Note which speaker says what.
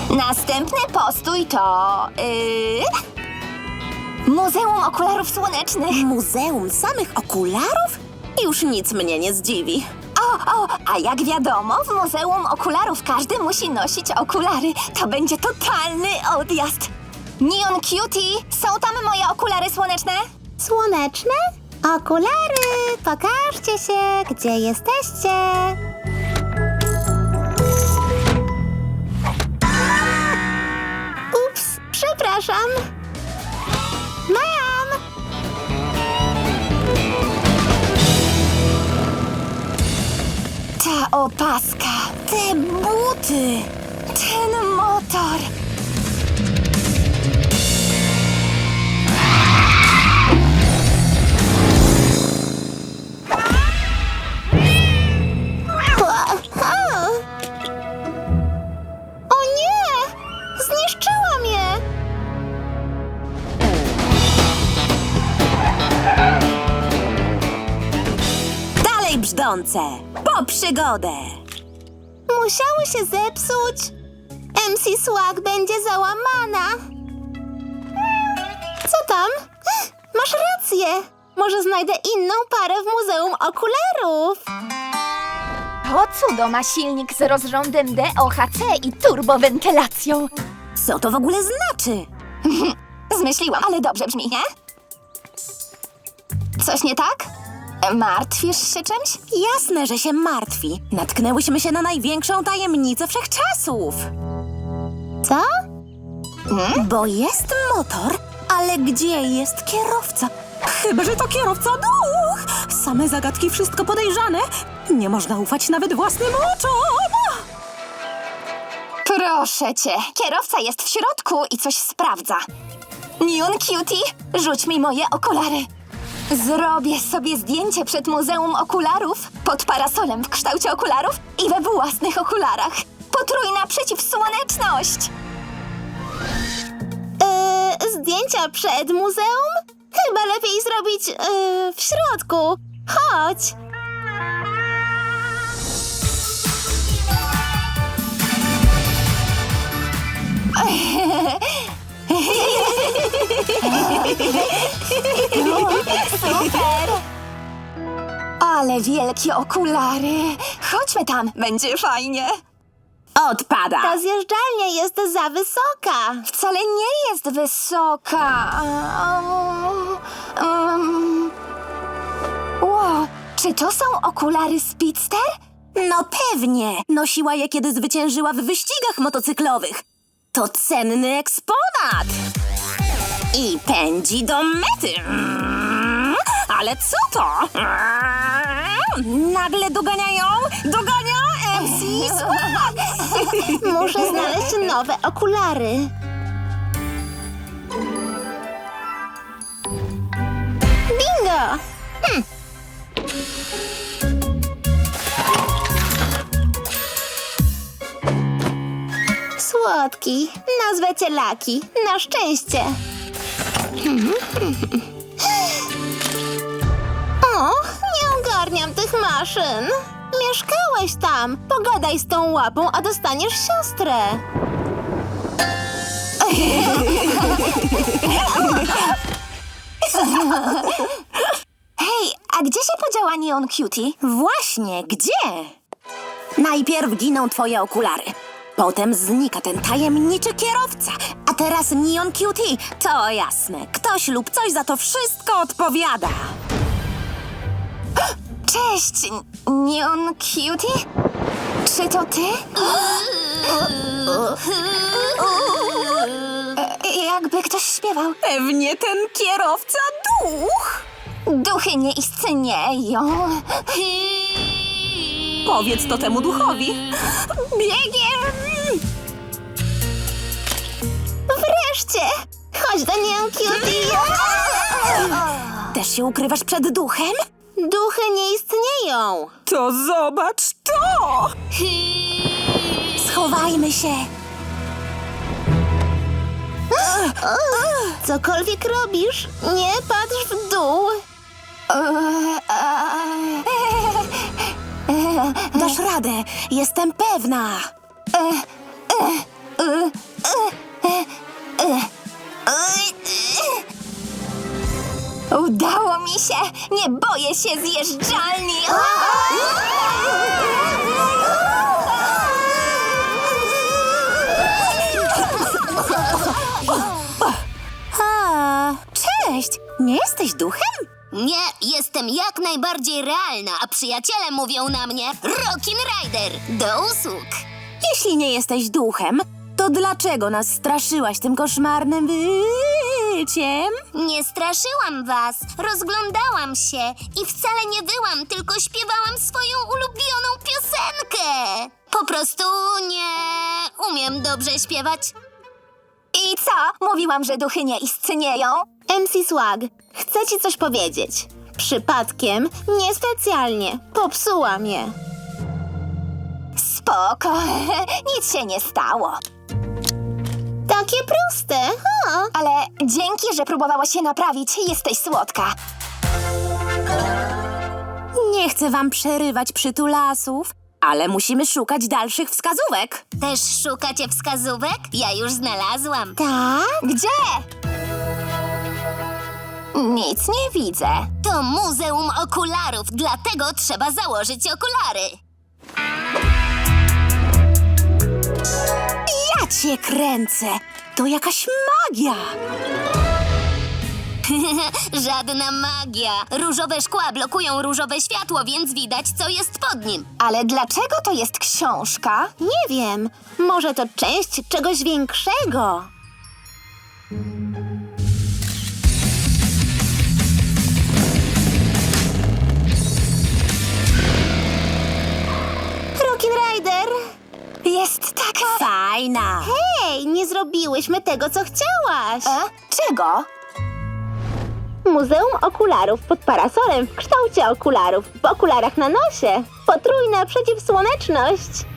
Speaker 1: Następny postój to... Muzeum Okularów Słonecznych.
Speaker 2: Muzeum samych okularów? Już nic mnie nie zdziwi.
Speaker 1: A jak wiadomo, w Muzeum Okularów każdy musi nosić okulary. To będzie totalny odjazd. Neon Cutie, są tam moje okulary słoneczne?
Speaker 2: Słoneczne? Okulary! Pokażcie się, gdzie jesteście. Ups, przepraszam. Mam!
Speaker 1: Ta opaska, te buty, ten motor.
Speaker 2: O nie! Zniszczyła mnie! Dalej brzdące! Po przygodę! Musiały się zepsuć. MC Swag będzie załamana. Co tam? Masz rację. Może znajdę inną parę w Muzeum Okularów.
Speaker 1: To cudo ma silnik z rozrządem DOHC i turbowentylacją.
Speaker 2: Co to w ogóle znaczy?
Speaker 1: Zmyśliłam, ale dobrze brzmi, nie? Coś nie tak? Martwisz się czymś?
Speaker 2: Jasne, że się martwi. Natknęłyśmy się na największą tajemnicę wszechczasów. Co? Bo jest motor, ale gdzie jest kierowca? Chyba że to kierowca duch! Same zagadki, wszystko podejrzane. Nie można ufać nawet własnym oczom!
Speaker 1: Proszę cię, kierowca jest w środku i coś sprawdza. Neon Cutie, rzuć mi moje okulary. Zrobię sobie zdjęcie przed Muzeum Okularów pod parasolem w kształcie okularów i we własnych okularach. Potrójna przeciwsłoneczność!
Speaker 2: Zdjęcia przed muzeum? Chyba lepiej zrobić w środku. Chodź!
Speaker 1: Super! Ale wielkie okulary! Chodźmy tam, będzie fajnie.
Speaker 2: Odpada! Ta zjeżdżalnia jest za wysoka.
Speaker 1: Wcale nie jest wysoka. Wow, czy to są okulary Speedster?
Speaker 2: No pewnie. Nosiła je, kiedy zwyciężyła w wyścigach motocyklowych. To cenny eksponat. I pędzi do mety. Ale co to? Nagle doganiają? Dogania MC Swag! Muszę znaleźć nowe okulary. Bingo! Słodki. Nazwę cię Laki. Na szczęście. O, nie ogarniam tych maszyn. Mieszkałeś tam. Pogadaj z tą łapą, a dostaniesz siostrę.
Speaker 1: Hej, a gdzie się podziała Neon Cutie?
Speaker 2: Właśnie, gdzie? Najpierw giną twoje okulary. Potem znika ten tajemniczy kierowca. A teraz Neon Cutie. To jasne. Ktoś lub coś za to wszystko odpowiada.
Speaker 1: Cześć, Neon Cutie? Czy to ty? Jakby ktoś śpiewał.
Speaker 2: Pewnie ten kierowca duch.
Speaker 1: Duchy nie istnieją.
Speaker 2: Powiedz to temu duchowi. Biegiem! Wreszcie! Chodź do Neon Cutie. Też się ukrywasz przed duchem? Duchy nie istnieją. To zobacz to! Schowajmy się. Cokolwiek robisz, nie patrz w dół. Dasz radę, jestem pewna.
Speaker 1: Udało mi się! Nie boję się zjeżdżalni!
Speaker 2: Cześć! Nie jesteś duchem?
Speaker 3: Nie, jestem jak najbardziej realna, a przyjaciele mówią na mnie Rockin' Rider. Do usług.
Speaker 2: Jeśli nie jesteś duchem, to dlaczego nas straszyłaś tym koszmarnym wyciem?
Speaker 3: Nie straszyłam was, rozglądałam się i wcale nie wyłam, tylko śpiewałam swoją ulubioną piosenkę. Po prostu nie umiem dobrze śpiewać.
Speaker 1: I co? Mówiłam, że duchy nie istnieją?
Speaker 4: MC Swag, chcę ci coś powiedzieć. Przypadkiem, niespecjalnie, popsułam je.
Speaker 1: Spoko, nic się nie stało.
Speaker 4: Takie proste, ha?
Speaker 1: Ale dzięki, że próbowałaś się naprawić. Jesteś słodka.
Speaker 2: Nie chcę wam przerywać przytulasów, ale musimy szukać dalszych wskazówek.
Speaker 3: Też szukacie wskazówek? Ja już znalazłam.
Speaker 4: Tak?
Speaker 1: Gdzie? Nic nie widzę.
Speaker 3: To Muzeum Okularów, dlatego trzeba założyć okulary.
Speaker 2: Ja cię kręcę! To jakaś magia!
Speaker 3: Żadna magia. Różowe szkła blokują różowe światło, więc widać, co jest pod nim.
Speaker 1: Ale dlaczego to jest książka?
Speaker 4: Nie wiem, może to część czegoś większego. Rockin' Rider!
Speaker 1: Jest taka...
Speaker 2: Fajna!
Speaker 4: Hej, nie zrobiłyśmy tego, co chciałaś!
Speaker 1: Czego?
Speaker 4: Muzeum Okularów pod parasolem w kształcie okularów, w okularach na nosie. Potrójna przeciwsłoneczność.